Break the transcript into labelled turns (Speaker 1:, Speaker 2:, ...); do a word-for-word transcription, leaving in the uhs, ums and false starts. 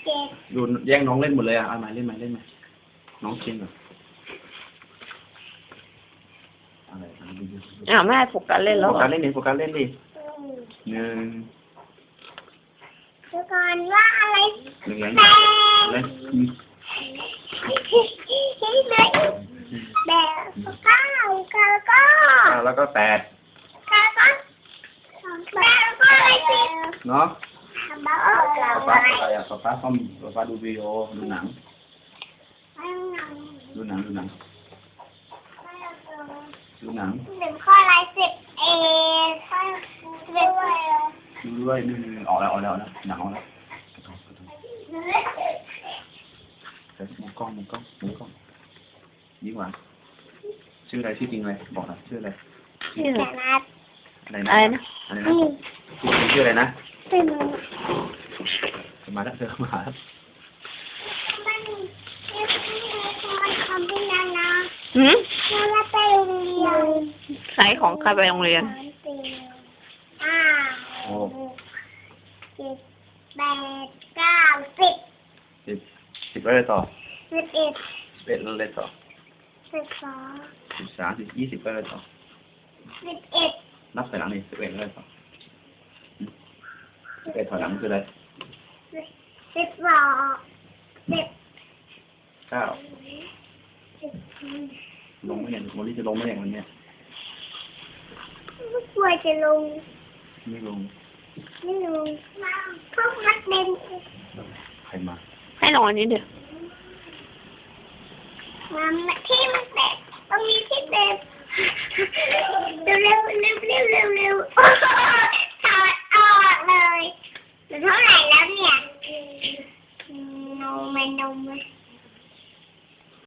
Speaker 1: เจ็ด
Speaker 2: ดูแย่งน้องเล่นหมดเลยอ่ะเอามาเล่นมาเล่นมาน้องเก่งเหรออะไร
Speaker 3: อ่าแม่โฟกัสเล่นแล้ว
Speaker 2: โฟกัสเล่นดิโฟกัสเล่นดิหนึ่ง
Speaker 1: ทุกคนว่าอะไร
Speaker 2: หนึ่งเล่น
Speaker 1: แปด
Speaker 2: เล่น
Speaker 1: แบบเก้าเก้าก็
Speaker 2: แล้วก็แปด
Speaker 1: เก้าก็แปดแล้วก็อะไรสิบ
Speaker 2: เนาะ
Speaker 1: บ้า
Speaker 2: ป๊า
Speaker 1: เก้า
Speaker 2: ป๊า
Speaker 1: อะไร
Speaker 2: อะไรอ่ะป๊าป๊าเขาป๊าป๊าดูวิดีโอดูหนังดูหนังดูหนังดูหนัง
Speaker 1: หนึ่งข้ออะไรสิบเอ็ดข้อสิบเอ็ด
Speaker 2: ดูด้วยหนึ่งออกแล้วออกแล้วนะหนังออกแล้วมุมกล้องมุมกล้องมุมกล้องยิ่งหวานชื่ออะไรชื่อจริงอะไรบอกหน่อยชื่ออะไร
Speaker 3: ชื่อ
Speaker 1: แต่นัด
Speaker 2: อะไร
Speaker 3: อะไร
Speaker 2: นะ
Speaker 3: นะ
Speaker 2: อะไรนะชื่ออะไรนะ
Speaker 1: เป็น
Speaker 2: มาแล้วเธอมาแล้ว
Speaker 1: มันมันคำเป็นนานา
Speaker 3: หืม
Speaker 1: เราไปโรงเรียน
Speaker 3: ขายของใครไปโรงเรียน
Speaker 1: อ่า
Speaker 2: โอ้
Speaker 1: เจ็ดแปดเก้าสิบ
Speaker 2: สิบสิบอะไรต่อ
Speaker 1: สิบเอ็ด
Speaker 2: สิบเอ็ดอะไรต่อ
Speaker 1: สิบสอง
Speaker 2: สิบสามสิบยี่สิบอะไรต่อ
Speaker 1: สิบเอ็ด
Speaker 2: นับถอยหลังนี่สิบเอ็ดอะไรต่อสิบเอ็ดถอยหลังคืออะไร
Speaker 1: สิบสองสิบ
Speaker 2: เก้า
Speaker 1: สิบ
Speaker 2: ลงไม่เห็นวันนี้จะลงไม่เห็นวันเนี้ย
Speaker 1: ไม่กลัวจะลง
Speaker 2: ไม่ลง
Speaker 1: ไม่ลงเพราะมันเป็น
Speaker 2: ใครมา
Speaker 3: ให้ลองอันนี้เดี๋ยว
Speaker 1: มันที่มันเป็นตรงนี้ที่เป็นเร็วเร็วเร็วเร็วเร็วเร็วถอดออกเลยเหลือเท่าไหร่แล้วเนี่ยนมไม่นมเลย